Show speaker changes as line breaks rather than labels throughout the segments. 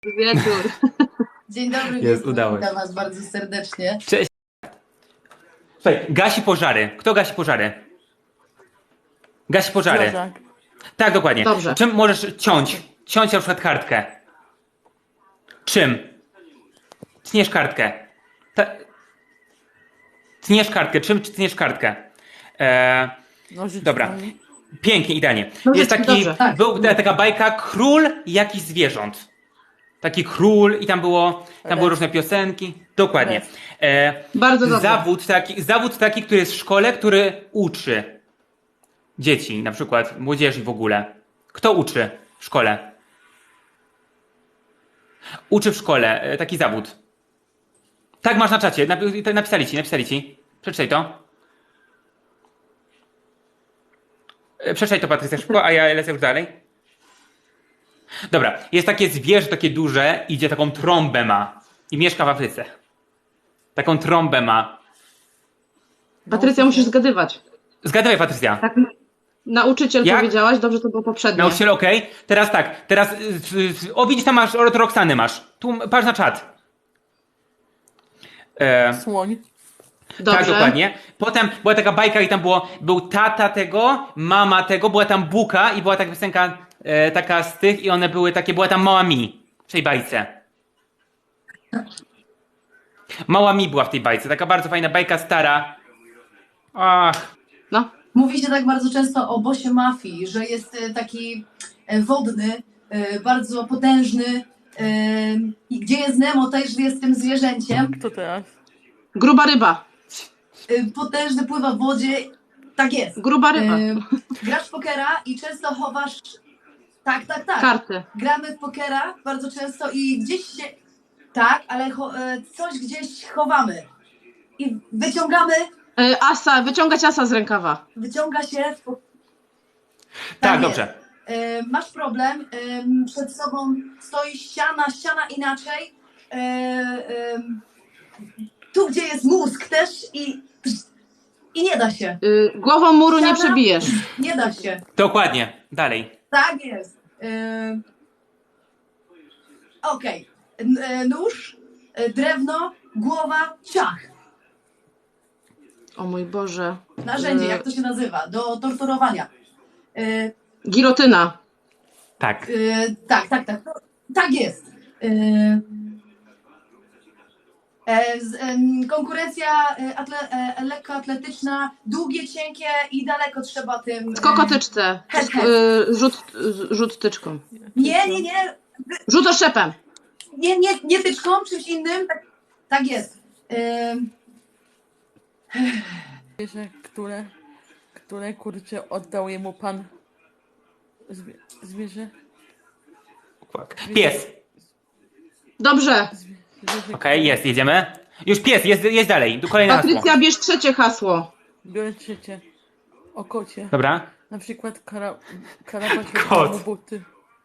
Wieczór.
Dzień dobry,
Jest, udało się.
witam was bardzo serdecznie.
Cześć. Słuchaj, gasi pożary. Kto gasi pożary? Gasi pożary.
Strażak.
Tak, dokładnie.
Dobrze.
Czym możesz ciąć? Ciąć na przykład kartkę. Czym? Tniesz kartkę. Tniesz kartkę. Czym tniesz kartkę?
Nożyczkami.
Dobra. Pięknie, idealnie.
Dobrze,
Jest taki,
dobrze, tak.
taka bajka Król jakichś zwierząt. Taki król i tam były różne piosenki. Dokładnie.
Bardzo dobrze.
Zawód taki, który jest w szkole, który uczy dzieci, na przykład młodzieży w ogóle. Kto uczy w szkole? Uczy w szkole taki zawód. Tak, masz na czacie. Napisali ci. Przeczytaj to. Przeczytaj to, Patrycja, szybko, a ja lecę już dalej. Dobra, jest takie zwierzę, takie duże, idzie taką trąbę ma i mieszka w Afryce. Taką trąbę ma.
Patrycja, musisz zgadywać.
Zgadywaj, Patrycja.
Tak, nauczyciel
Jak?
powiedziałaś, dobrze to było poprzednio.
Nauczyciel, okej. Teraz tak, o widzisz, tam masz, od Roxany masz. Tu, patrz na czat.
Słoń.
Dobrze.
Tak, dokładnie. Potem była taka bajka i tam był tata tego, mama tego, była tam Buka i była taka piosenka taka z tych i one były takie, była tam Mała Mi w tej bajce. Mała Mi była w tej bajce, taka bardzo fajna bajka stara. Ach,
No.
Mówi się tak bardzo często o bossie mafii, że jest taki wodny, bardzo potężny. I gdzie jest Nemo, też jest tym zwierzęciem.
Kto teraz?
Gruba ryba.
Potężny, pływa w wodzie. Tak jest.
Gruba ryba.
Grasz w pokera i często chowasz. Tak.
Karty.
Gramy w pokera bardzo często i gdzieś się. Tak, ale coś gdzieś chowamy. I wyciągamy.
Wyciągać asa z rękawa.
Wyciąga się.
tak,
jest.
dobrze.
Masz problem, przed sobą stoi ściana inaczej. Tu, gdzie jest mózg też i nie da się.
Głową muru nie
Ściana?
przebijesz.
Nie da się.
Dokładnie, dalej.
Tak jest. Okej. Nóż, drewno, głowa, ciach.
O mój Boże.
Narzędzie, jak to się nazywa? Do torturowania.
Gilotyna.
Tak.
Tak. Tak jest. Konkurencja lekkoatletyczna, długie, cienkie i daleko trzeba tym.
W kokotyczce.
Head.
Rzut tyczką.
Nie.
Rzut oszczepem.
Nie tyczką, czymś innym. Tak jest.
Zwierzę, które kurczę oddał jemu pan. Zwierzę.
Pies.
Dobrze.
Zwierzę.
Okej, jest, jedziemy. Już pies, jest dalej. Kolejne hasło.
Patrycja, bierz trzecie hasło.
Biorę trzecie. O kocie.
Dobra.
Na przykład karabasz
Kot.
mu buty.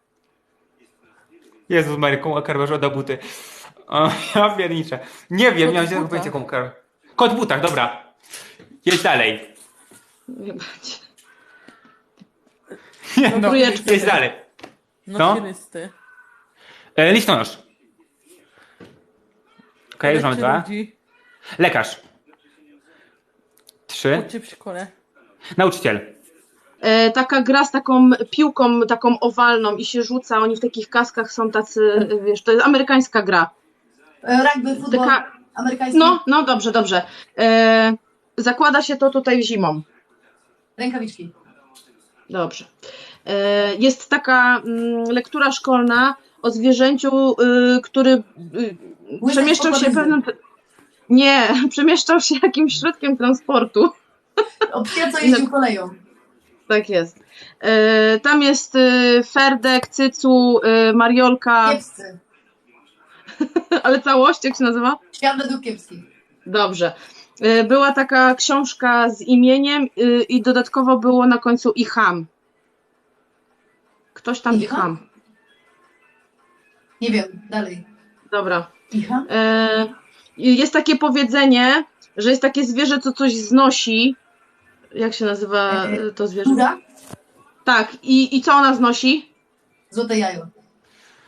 Jezus Maryką, a karwasz oddał buty. O, ja pierniczę. Nie wiem,
Kot
miałem
w
się
butach.
powiedzieć jaką karwę. Kot w butach, dobra. Jedź dalej. Nie, no,
trójeczkę.
jedź dalej.
Nosirysty.
Listonosz. Okej, już mamy
Leczy
2.
ludzi.
Lekarz. 3.
Uczy w szkole.
Nauczyciel.
Taka gra z taką piłką, taką owalną i się rzuca. Oni w takich kaskach są tacy, wiesz, to jest amerykańska gra.
Rugby, futbol amerykański.
No, dobrze. Zakłada się to tutaj zimą.
Rękawiczki.
Dobrze. Jest taka lektura szkolna o zwierzęciu, który przemieszczał się pewnym... Nie, przemieszczał się jakimś środkiem transportu.
O psie, co jeździł koleją.
Tak jest. Tam jest Ferdek, Cycu, Mariolka,
Kiepscy.
ale całość, jak się nazywa?
Świat według kiepskich.
Dobrze. Była taka książka z imieniem i dodatkowo było na końcu i ham. Ktoś tam i ham.
Nie wiem, dalej.
Dobra.
Icha?
Jest takie powiedzenie, że jest takie zwierzę, co coś znosi. Jak się nazywa to zwierzę?
Kura?
Tak. I co ona znosi?
Złote jajo.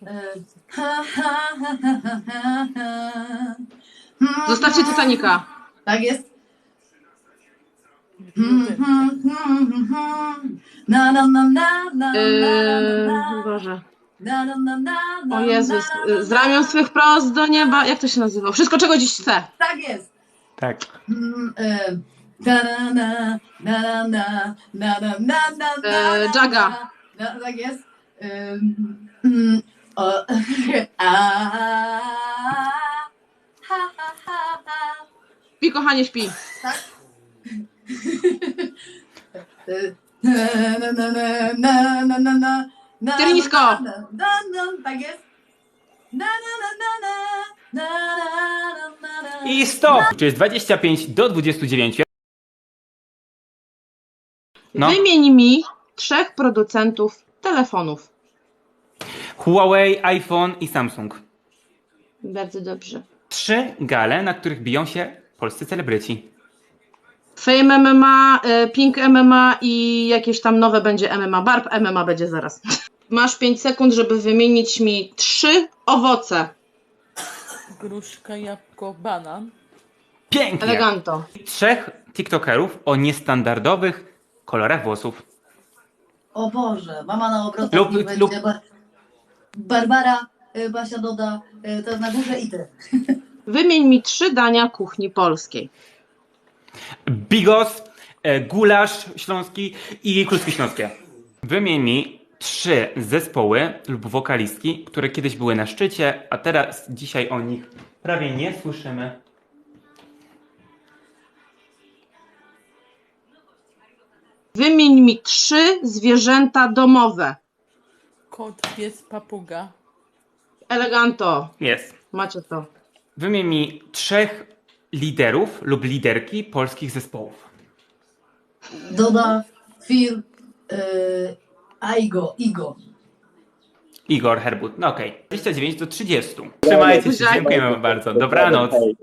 Zostawcie Titanica.
Tak jest.
Biblioteka.
Na na na na na na
Boże.
na na na na na
O Jezus.
na,
Z ramion swych prost do nieba. Jak to się nazywa? Wszystko, czego dziś chcę.
Tak jest.
Tak.
Na na na na na na na na na na
Jaga.
Tak jest.
Śpi, kochanie, śpi.
Tak? Na na na na na na na na.
Tyrnisko.
Tak jest. Na na na na na na na na.
I stop! Czy jest 25 do 29? No.
Wymień mi 3 producentów telefonów.
Huawei, iPhone i Samsung.
Bardzo dobrze.
3 gale, na których biją się polscy celebryci.
Fame MMA, Pink MMA i jakieś tam nowe będzie MMA. Barb MMA będzie zaraz. Masz 5 sekund, żeby wymienić mi 3 owoce.
Gruszka, jabłko, banan.
Pięknie!
Eleganto.
3 TikTokerów o niestandardowych kolorach włosów.
O Boże, mama na obrotach
Lub-
niech będzie
lub-
Barbara, Basia doda, to na górze i ty.
Wymień mi 3 dania kuchni polskiej.
Bigos, gulasz śląski i kluski śląskie. Wymień mi 3 zespoły lub wokalistki, które kiedyś były na szczycie, a teraz dzisiaj o nich prawie nie słyszymy.
Wymień mi 3 zwierzęta domowe.
Kot, pies, papuga.
Eleganto.
Jest.
Macie to.
Wymień mi 3 liderów lub liderki polskich zespołów.
Doda, Phil, Igo.
Igor Herbut. No okej. 29 do 30. Trzymajcie się, dziękujemy bardzo. Dobranoc.